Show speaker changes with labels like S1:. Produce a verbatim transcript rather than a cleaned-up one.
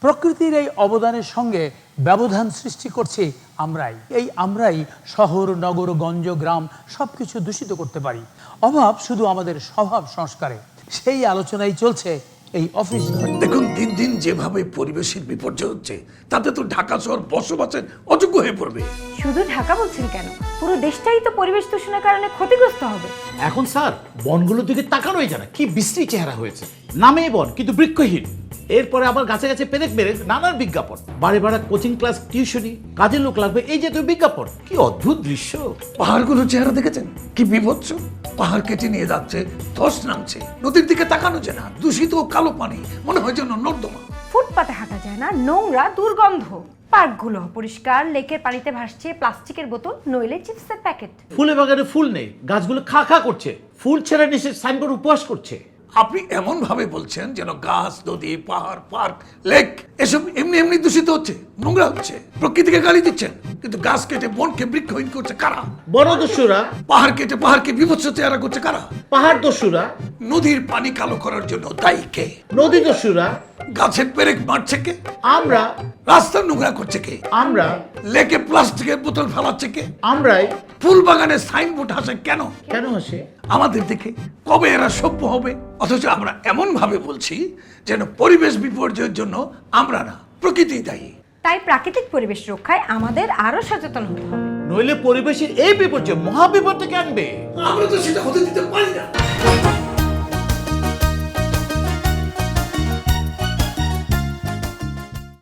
S1: প্রকৃতির এই অবদানের সঙ্গে ব্যবধান সৃষ্টি করছি আমরাই। এই আমরাই শহর, নগর, গঞ্জ, গ্রাম সবকিছু দূষিত করতে পারি। অভাব শুধু আমাদের স্বভাব সংস্কারে। সেই আলোচনাই চলছে এই অফিস।
S2: দেখুন, দিন দিন যেভাবে পরিবেশের বিপর্যয় হচ্ছে, তাতে তো ঢাকা শহর বসবাসের অযোগ্য হয়ে পড়বে।
S3: শুধু ঢাকা বলছেন কেন, পুরো দেশটাই তো পরিবেশ দূষণের কারণে ক্ষতিগ্রস্ত হবে।
S4: এখন স্যার বনগুলোর দিকে তাকানোই যায় না, কি বিশ্রী চেহারা হয়েছে। নামেই বন কিন্তু বৃক্ষহীন। এরপরে আবার গাছে গাছে পেরেক মেরে নানান বিজ্ঞাপন, বাড়ি ভাড়া, কোচিং ক্লাস, টিউশনি, কাজের লোক লাগবে, এই জাতীয় বিজ্ঞাপন। কি অদ্ভুত দৃশ্য।
S2: পাহাড়গুলোর চেহারা দেখেছেন কি বিভৎস? পাহাড় কেটে নিয়ে যাচ্ছে, ধস নামছে, নদীর দিকে তাকানো যায় না, দূষিত কালো পানি, মনে হয় যেন নর্দমা।
S3: ফুটপাতে হাঁটা যায় না, নোংরা, দুর্গন্ধ। পার্কগুলো অপরিষ্কার, লেকের পানিতে ভাসছে প্লাস্টিকের বোতল, নইলে চিপসের প্যাকেট।
S4: ফুলে বাগানে ফুল নেই, গাছগুলো খা খা করছে, ফুল ছেড়ে নিচে সাইনবোর্ড উপহাস করছে।
S2: আপনি এমন ভাবে বলছেন যেন গাছ, নদী, পাহাড়, পার্ক, লেক এসব এমনি এমনি দূষিত হচ্ছে, নোংরা হচ্ছে। প্রকৃতিকে গালি দিচ্ছেন, কিন্তু গাছ কেটে বনকে বৃক্ষহীন করছে কারা?
S4: বনদস্যুরা।
S2: পাহাড় কেটে পাহাড়কে বিভৎস চেহারা করছে কারা?
S4: পাহাড় দস্যুরা।
S2: নদীর পানি কালো করার জন্য দায়ী কে?
S4: নদী দস্যুরা।
S2: গাছের পেরেক মারছে কে?
S4: আমরা।
S2: রাস্তা নোংরা করছে কে?
S4: আমরা।
S2: লেকে প্লাস্টিকের বোতল ফেলাচ্ছে কে?
S4: আমরাই।
S2: ফুল বাগানে সাইনবোর্ড হাসে কেন?
S4: কেন হাসে?
S2: আমাদের দেখে কবে এরা সভ্য হবে? অথচ আমরা এমন ভাবে বলছি যেন পরিবেশ বিপর্যয়ের জন্য আমরা না, প্রকৃতি দায়ী।
S3: তাই প্রাকৃতিক পরিবেশ রক্ষায় আমাদের আরো সচেতন হতে হবে,
S4: নইলে পরিবেশের এই বিপর্যয় মহাবিপদটাকে আনবে।
S2: আমরা তো সেটা হতে দিতে পারি না।